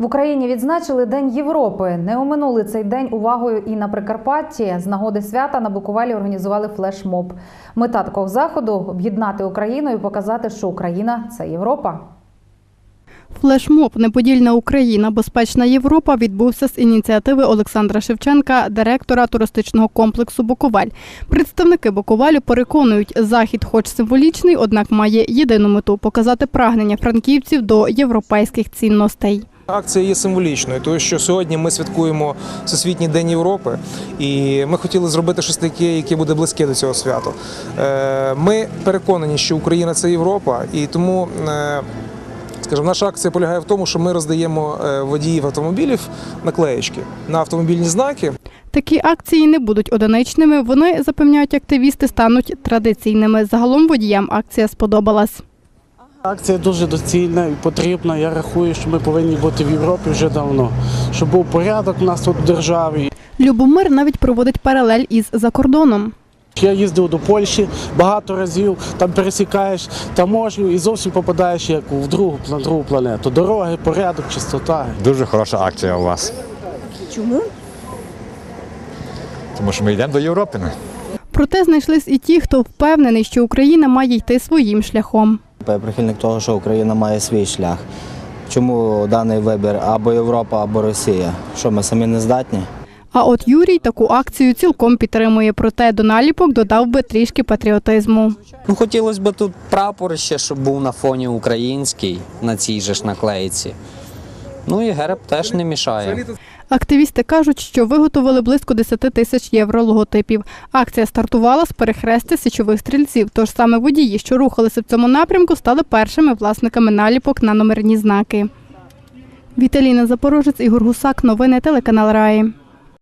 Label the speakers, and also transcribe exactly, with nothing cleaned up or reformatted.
Speaker 1: В Україні відзначили День Європи. Не оминули цей день увагою і на Прикарпатті. З нагоди свята на Буковелі організували флешмоб. Мета такого заходу – об'єднати Україну і показати, що Україна – це Європа.
Speaker 2: Флешмоб «Неподільна Україна. Безпечна Європа» відбувся з ініціативи Олександра Шевченка, директора туристичного комплексу «Буковель». Представники Буковелю переконують, захід хоч символічний, однак має єдину мету – показати прагнення франківців до європейських цінностей.
Speaker 3: Акція є символічною, тому що сьогодні ми святкуємо Всесвітній день Європи, і ми хотіли зробити щось таке, яке буде близьке до цього свята. Ми переконані, що Україна – це Європа, і тому, скажімо, наша акція полягає в тому, що ми роздаємо водіїв автомобілів наклеєчки на автомобільні знаки.
Speaker 2: Такі акції не будуть одиничними, вони, запевняють активісти, стануть традиційними. Загалом водіям акція сподобалась.
Speaker 4: Акція дуже доцільна і потрібна. Я рахую, що ми повинні бути в Європі вже давно, щоб був порядок у нас тут в державі.
Speaker 2: Любомир навіть проводить паралель із закордоном.
Speaker 4: Я їздив до Польщі багато разів, там пересікаєш таможню і зовсім попадаєш як в другу, на другу планету. Дороги, порядок, чистота.
Speaker 5: Дуже хороша акція у вас.
Speaker 6: Чому?
Speaker 5: Тому що ми йдемо до Європи.
Speaker 2: Проте знайшлись і ті, хто впевнений, що Україна має йти своїм шляхом.
Speaker 7: Я прихильник того, що Україна має свій шлях. Чому даний вибір або Європа, або Росія? Що, ми самі не здатні?
Speaker 2: А от Юрій таку акцію цілком підтримує, проте до наліпок додав би трішки патріотизму.
Speaker 8: Ну, хотілося б тут прапор ще, щоб був на фоні український, на цій же ж наклейці. Ну і герб теж не мішає.
Speaker 2: Активісти кажуть, що виготовили близько десяти тисяч євро логотипів. Акція стартувала з перехрестя січових стрільців, тож саме водії, що рухалися в цьому напрямку, стали першими власниками наліпок на номерні знаки. Віталіна Запорожець, Ігор Гусак. Новини телеканал Раї.